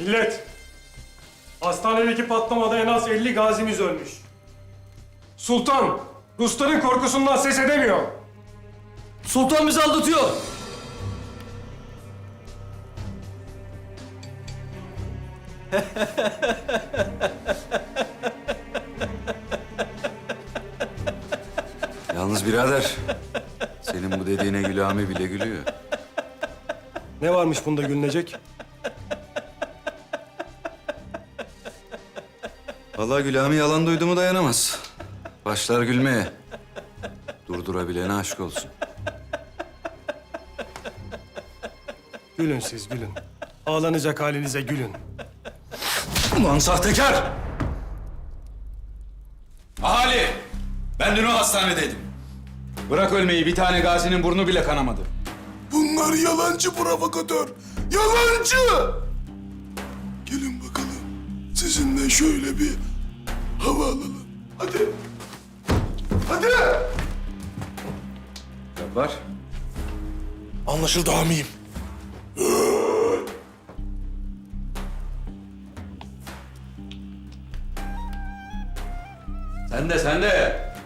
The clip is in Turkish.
Millet, hastanedeki patlamada en az 50 gazimiz ölmüş. Sultan, Rusların korkusundan ses edemiyor. Sultan bizi aldatıyor. Yalnız birader, senin bu dediğine Gülami bile gülüyor. Ne varmış bunda gülünecek? Vallahi Gülami yalan duydu mu dayanamaz. Başlar gülmeye. Durdurabilene aşk olsun. Gülün siz, gülün. Ağlanacak halinize gülün. Ulan sahtekar! Ahali! Ben dün o hastanedeydim. Bırak ölmeyi, bir tane gazinin burnu bile kanamadı. Bunlar yalancı provokatör. Yalancı! Gelin bakalım. Sizinle şöyle bir hava alalım. Hadi. Hadi. Cabbar, Anlaşıldı amiyim. sen de.